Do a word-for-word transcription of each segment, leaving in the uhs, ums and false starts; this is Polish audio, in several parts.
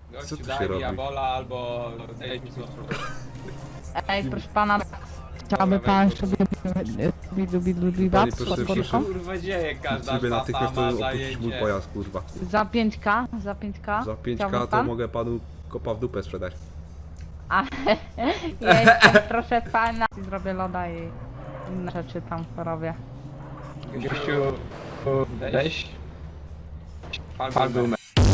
Co tu się daj robi? diabola albo zejdź mi z oczu. Ej, proszę pana, chciałby pan sobie bidu bidu bibap z proszę, podwórką? Kurwa dzieje, każda Sobie natychmiast sama to opuścić mój zajęcie. pojazd, kurwa. Za pięć ka, za pięć ka. Za pięć Chciałby ka to pan? mogę panu kopa w dupę sprzedać. A, jestem, proszę pana, i zrobię loda i inne rzeczy tam robię. Gościu, weź. Pal gumę.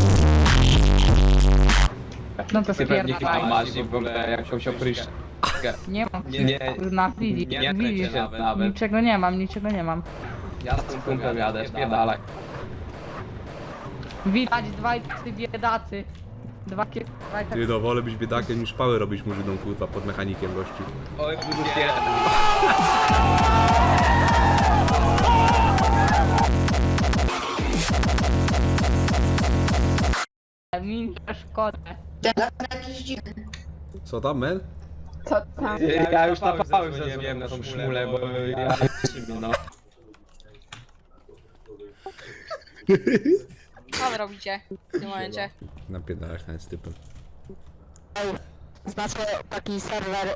No to Ty pewnie chyba spierdalaj. masz i w ogóle jakąś opryszkę. Nie mam, Nie, nie, kurna, widzi, nie widzisz, kręcę nawet, nawet. niczego nie mam, niczego nie mam. Ja z tym kumplem jadę, spierdalaj. Widać dwaj ty biedacy. Dwa kie... dwaj tak... Ty no, wolę być biedakiem niż pałę robić murzyną, kurwa, pod mechanikiem gościu. Oj, kurwie. Mi szkoda. Co tam, men? Ja już na pałę zadzwoniłem na tą szmulę, bo ja no. Co wy robicie w tym momencie? Napierdalać nawet z typem. Znaczy taki serwer...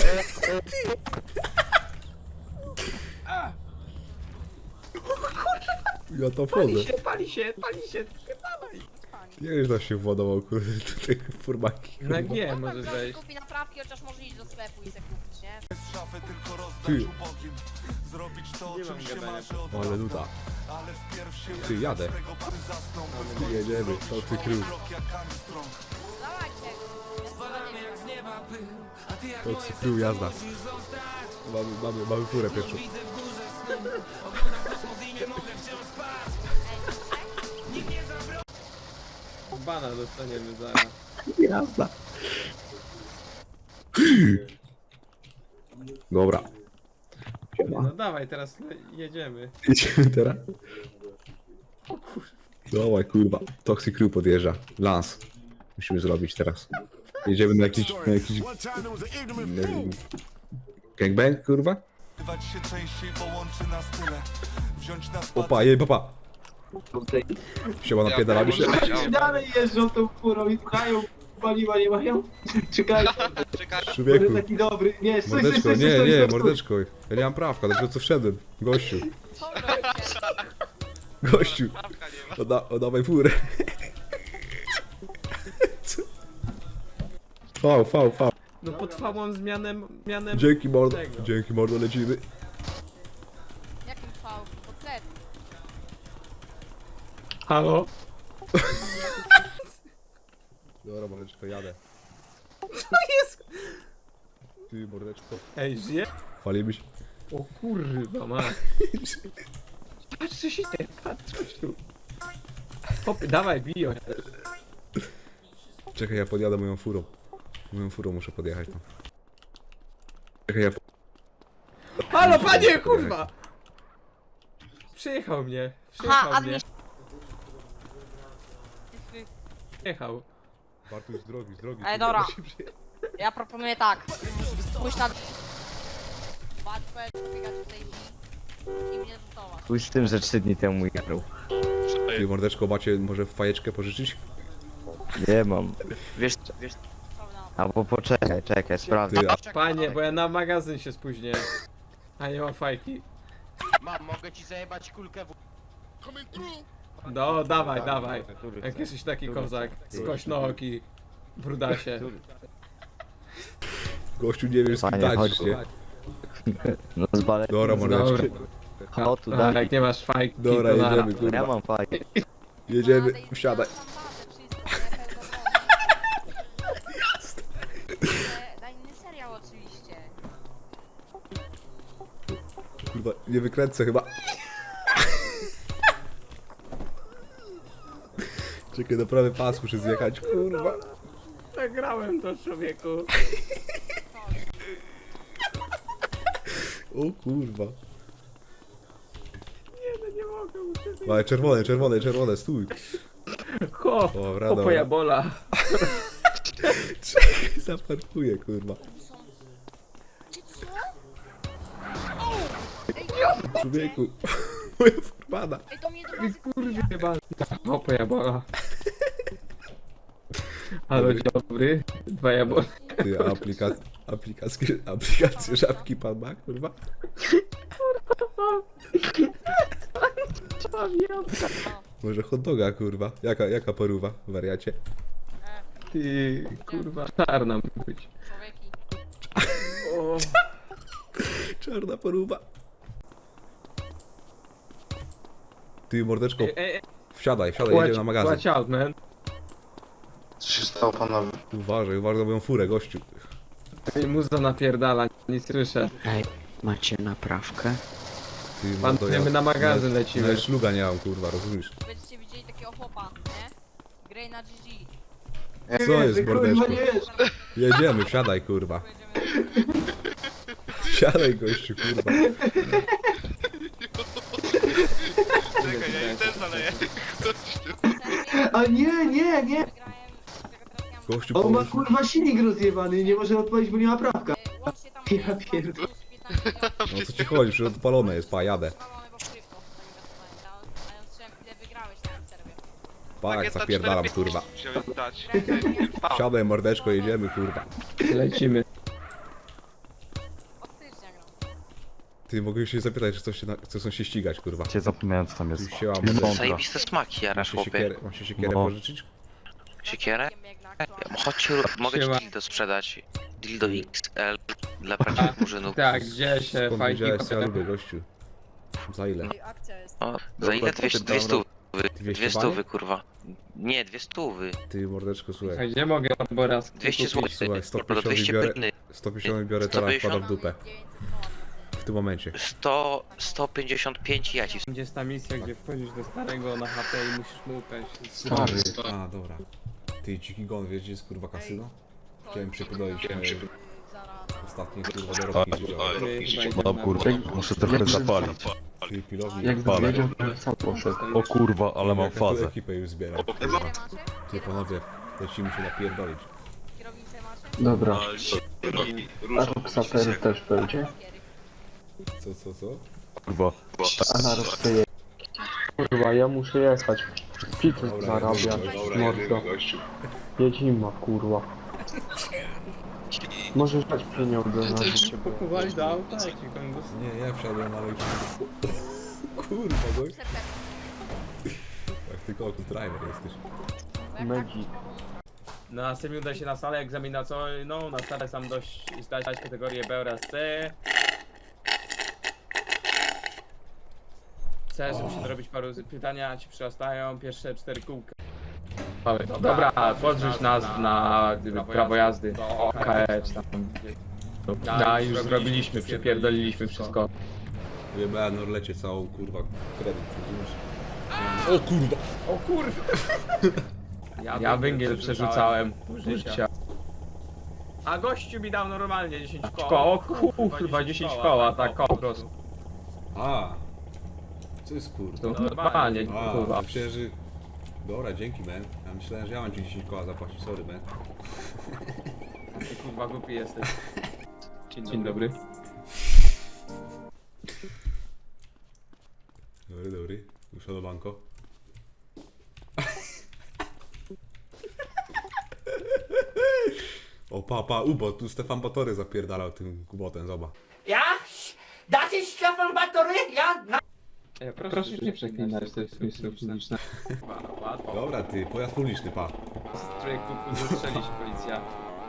Ja to Pali wchodzę. się, pali się, pali się, spierdalaj. Nie wiem, że się władował, kurde, do tego furmaki. No nie, Pan możesz wziąć i wejść. kupi naprawki, chociaż może iść do sklepu i se kupić, nie? Ty. Ale nuda. Ty, jadę. Ty, jedziemy, to ty crew. Dawajcie. Ja sobie nie To ty crew, jazda. Mamy, mamy, mamy furę pierwszą. Bana dostaniemy zaraz. Jazda. Dobra. No dawaj, teraz le- jedziemy. Jedziemy teraz. Dawaj, kurwa. Toxic Crew podjeżdża. Lance. Musimy zrobić teraz. Jedziemy na jakiś... na jakiś... nie wiem, gangbang, kurwa? Opa, jej, papa. Siema, napierdalamy się. Dalej jeżdżą tą furą i pchają, paliwa nie mają? Czekajcie, Człowieku. będę taki dobry. Nie, stój, stój, Mordeczko, stój, nie, stój, nie, stój, stój. mordeczko. Ja nie mam prawka, dlatego co wszedłem. Gościu, Co wy robicie? gościu. Oda, oddawaj furę. Co? Fał, fał, fał. No potrwałam zmianę, zmianę... Dzięki mordo, tego. dzięki mordo, lecimy. Jakim fał? Podset. Halo? Dobra, mordeczko, jadę. Co jest? Ty, mordeczko. Ej, żyje? Falimy się. O kurwa, ma. Patrz co się dzieje, patrz coś tu. Hop, dawaj, bijo. Czekaj, ja podjadę moją furą. Moją furą muszę podjechać tam. Czekaj, ja... Halo, panie, kurwa! Przyjechał mnie, przyjechał Aha, mnie, admin... przyjechał. Bartuś, z drogi, z drogi. Ej, dobra. Ja proponuję tak. Spójrz na... Łatwe, biegać tutaj i mnie zlutować. Pójdź z tym, że trzy dni temu jadł. Ty, mordeczko, macie może fajeczkę pożyczyć? Nie mam. Wiesz, wiesz, Prawda? albo poczekaj, czekaj, sprawdzę. Ty, a... Panie, bo ja na magazyn się spóźniłem. A nie mam fajki. Mam, mogę ci zajebać kulkę w... No, dawaj, dawaj. Jak jesteś taki kozak, skośnooki, brudasie. Gościu, nie wiesz z kim Panie, tańczysz, chodź. nie? No z balet. Dobra, mordeczko. O, tu A, daj. jak nie masz fajki, Dobra, to nara. jedziemy, Ja kurwa. mam fajnie. Jedziemy, wsiadaj. Na inny serial oczywiście. Kurwa, nie wykręcę chyba. Czekaj, na prawy pas muszę zjechać, kurwa. Zagrałem to, człowieku. O kurwa. Nie, no nie mogę, muszę Ale czerwone, czerwone, czerwone, stój. Ho, Dobra, ho, dobra. pojabola. Czekaj, zaparkuję, kurwa. Gdzie co? Człowieku, moja furmana. Ej, to mnie do bazy Kurwa, chyba. Ho, pojabola. Halo, dzień dobry. Dwa jabłka. Ty, a aplikac... aplikacje, aplikacje żabki pan ma, kurwa? Może hot doga, kurwa? Jaka, jaka porówa, wariacie? Ty, kurwa, czarna ma być. Człowieki. O, Czarna porówa. Ty, mordeczko, ej, ej, wsiadaj, wsiadaj, jedziemy na magazyn. watch out, man. Co się stało panowie? Uważaj, uważaj na moją furę, gościu. Ej, muza napierdala, nie słyszę. Ej, macie naprawkę? Ty, Pan, mordo, ja- my na magazyn ja- lecimy. Ja szluga nie mam, kurwa, rozumiesz? Będziecie widzieli takiego chłopa, nie? Grey na G G. Co jest, Kurwa mordeczko? nie jest. Jedziemy, wsiadaj, kurwa. Pojedziemy. Wsiadaj, gościu, kurwa. Czekaj, ja też zaleję. A nie, nie, nie. Wygrałem, tego teraz nie mam. Gościu, On ma pomóż. kurwa silnik rozjebany i nie może odpowiedzieć, bo nie ma prawka. E, Łącznie tam Ja jest pierdolę. plus piętnaście milionów. No co ci chodzi, przecież odpalone jest, pa, jadę. Mamy bo w krypto zainwestowałem. A ja słyszałem, ile wygrałeś na tym serwie. Pa, jak zapierdalam, kurwa. Grałem Wsiadaj, mordeczko, jedziemy, kurwa. Lecimy. od stycznia gram. Ty, mogę się zapytać, czy coś się na... chcą się ścigać, kurwa. Cię zapomniałem co tam Ty jest. wsięła, Mądra. może... Zajebiste smaki, Mam jarasz się chłopie. siekierę, mam się siekierę No. pożyczyć? Siekierę? Biegnę aktualnie. Chodź, mogę Siema. ci dildo sprzedać. Dildo X L dla prawdziwych murzynów. Tak, gdzie się Skąd fajki wiedziałeś, co ja kopie? lubię, gościu? Za ile? Akcja jest. O, za ile? Dwie, dwie stówy. Dwieście Dwie stówy, bani? kurwa. Nie, dwie stówy. Ty, mordeczko, słuchaj. Słuchaj, gdzie mogę bo raz dwieście kupić? złotych. Słuchaj, sto To pięćdziesiąt dwieście biorę, pydny. sto pięćdziesiąt biorę, sto teraz pięćdziesiąt? wkładam w dupę. W tym momencie. sto, sto pięćdziesiąt pięć ja ci. Gdzie jest ta misja, gdzie wchodzisz do starego na H P i musisz mu ukraść? Stary. A, dobra. Ty, dziki gon, wiesz, gdzie jest kurwa kasyno? Chciałem przypierdolić moje ostatnie kurwa dorobki życiowe. Ty, chyba No idziemy na kurwa, górę. muszę trochę zapalić. Ty, pilownik. Jak palę. O kurwa, ale mam Ja tu fazę. ekipę już zbieram. Ile macie? Ty, panowie, lecimy się napierdolić. Kierownicę macie? Dobra. A Roksaper też będzie. Co, co, co? Kurwa. A na rozkryje. Kurwa, ja muszę jechać. Pizzę Dobra, zarabiać, dobra, dobra, mordo. Jedź kurwa. Możesz dać pieniądze na życie. Pokuwali do auta, jak ci końcu. Nie, ja wsiadłem, ale już... Kurwa, gość. Jak tylko tu driver jesteś. Megi. Na Semi uda się na salę egzaminacyjną, na salę sam dość zdać kategorię B oraz C. C, żeby się dorobić paru z- pytania, ci przyrastają pierwsze cztery kółka. Dobra, podrzuć nas na prawo jazdy. O K E czy tam. No, już zrobiliśmy, przypierdoliliśmy wszystko. Wyjebałem na orlecie całą kurwa kredyt, rozumiesz? O kurwa! O kurwa! Ja węgiel przerzucałem życia. A gościu mi dał normalnie dziesięć koła. O kurwa, dziesięć koła, tak po prostu. A! Co jest kurwa? Normalnie, A, kurwa. myślałem, że... Dobra, dzięki, man. Ja myślałem, że ja mam ci dziesięć koła zapłacić, sorry, man. Ty kurwa głupi jesteś. Dzień dobry. Dobry, dobry. Muszę do banko. O, pa, pa, ubot, tu Stefan Batory zapierdalał tym kubotem, zobacz. Ja, proszę, proszę nie przeklinać, to jest miejsce publiczne. Łatwo. Dobra, ty, pojazd publiczny, pa. Człowieku, zastrzelić policja.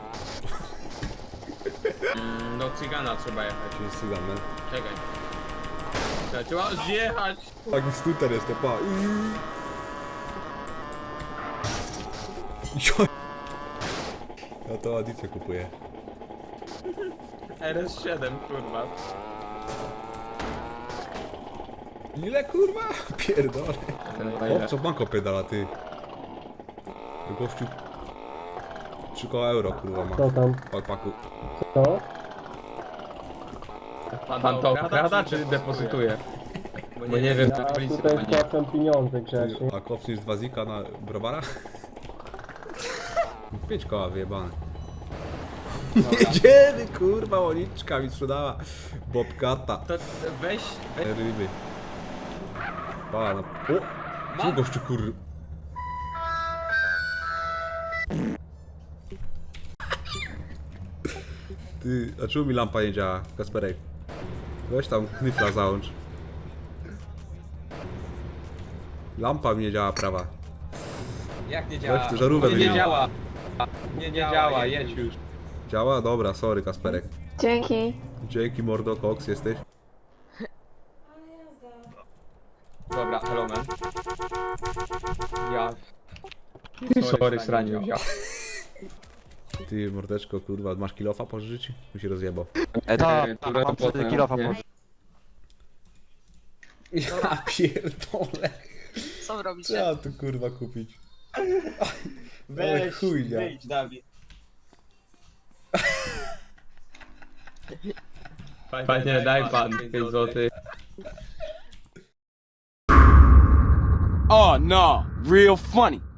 Mm, do Cygana trzeba jechać. Czy jest cygan, man? Czekaj. Trzeba- Trzeba zjechać. Taki skuter jest to, pa. Jo- Ja to Adicę kupuję. R S siedem, kurwa. Ile kurwa? Pierdolę. Ten Chłop, co banko pedala, ty. Gościu... trzy koła euro, kurwa, ma. Co tam? W paku. Co? Pan to okrada czy depozytuje? Bo nie wiem, to policja chyba nie. płacę pieniądze grzecznie. A kopniesz dwa zika na browara? Pięć koła wyjebane. Jedziemy, kurwa, łoniczka mi sprzedała. Bobkata. To weź, weź. Ryby. Pa, no. O! Co gościu, kur... Ty, a czemu mi lampa nie działa, Kasperek? Weź tam knyfla załącz. Lampa mi nie działa prawa. Jak nie Weź tu żarówkę Nie, nie wymień. działa. Nie, nie działa, jedź już. Działa? Dobra, sorry Kasperek. Dzięki. Dzięki mordo, koks jesteś. Dobra, hello man. Ja... Sorry, sranie wziął. Ty mordeczko, kurwa, masz kilofa pożyczyć? Mi się rozjebał. E, tak, Yy, mam to wtedy potem, kilofa nie? po... Ja pierdolę. Co wy robicie? Trzeba tu kurwa kupić. Weź, chujnia. wyjdź, Dawid. Panie, daj pan pięć złotych. Oh no, real funny.